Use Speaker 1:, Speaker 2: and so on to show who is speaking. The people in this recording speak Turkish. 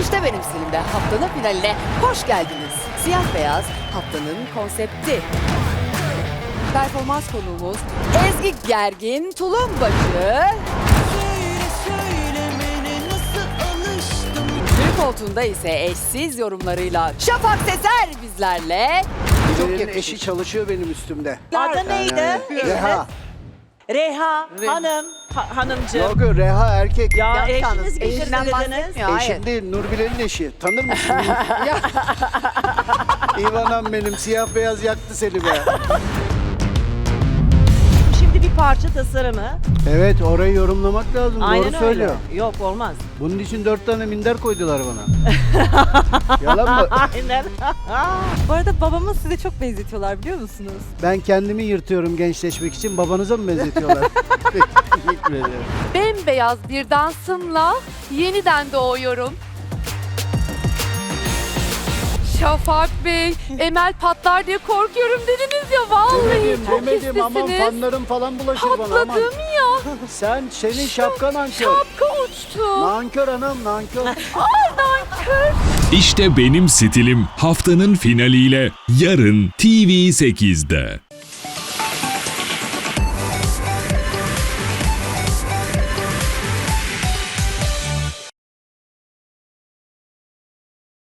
Speaker 1: İşte benim stilimde haftanın finaline hoş geldiniz. Siyah beyaz haftanın konsepti. Performans konuğumuz Ezgi Gergin Tulumbacı. Türk koltuğunda ise eşsiz yorumlarıyla Şafak Sezer bizlerle.
Speaker 2: Çok
Speaker 1: Çok
Speaker 2: eşi
Speaker 1: yakışır.
Speaker 2: çalışıyor benim üstümde.
Speaker 3: Adı neydi?
Speaker 2: Reha.
Speaker 3: Reha Hanım, hanımcığım.
Speaker 2: Yok Reha erkek.
Speaker 3: Ya
Speaker 1: Yok
Speaker 3: eşiniz
Speaker 1: yalnız,
Speaker 3: getirdi
Speaker 1: eşinden
Speaker 3: dediniz.
Speaker 1: bahsetmiyor. Hayır.
Speaker 2: Eşim değil, Nurbilen'in eşi. Tanır mısın? İvanam benim, siyah beyaz yaktı seni be.
Speaker 3: Şimdi bir parça tasarımı.
Speaker 2: Evet, orayı yorumlamak lazım.
Speaker 3: Aynen
Speaker 2: Doğru
Speaker 3: öyle.
Speaker 2: söylüyor.
Speaker 3: Yok olmaz.
Speaker 2: Bunun için 4 tane minder koydular bana. Yalan mı?
Speaker 3: Aynen.
Speaker 4: Bu arada babamı size çok benzetiyorlar biliyor musunuz?
Speaker 2: Ben kendimi yırtıyorum gençleşmek için. Babanıza mı benzetiyorlar? Teşekkür ederim.
Speaker 5: Bembeyaz bir dansımla yeniden doğuyorum. Şafak Bey, Emel patlar diye korkuyorum dediniz ya vallahi çok
Speaker 2: Demedim aman
Speaker 5: hislisiniz.
Speaker 2: fanlarım falan bulaşır bana aman.
Speaker 5: Patladım ya,
Speaker 2: Senin şapkan nankör.
Speaker 5: şapka uçtu.
Speaker 2: Nankör anam nankör.
Speaker 6: İşte benim stilim haftanın finaliyle yarın TV8'de.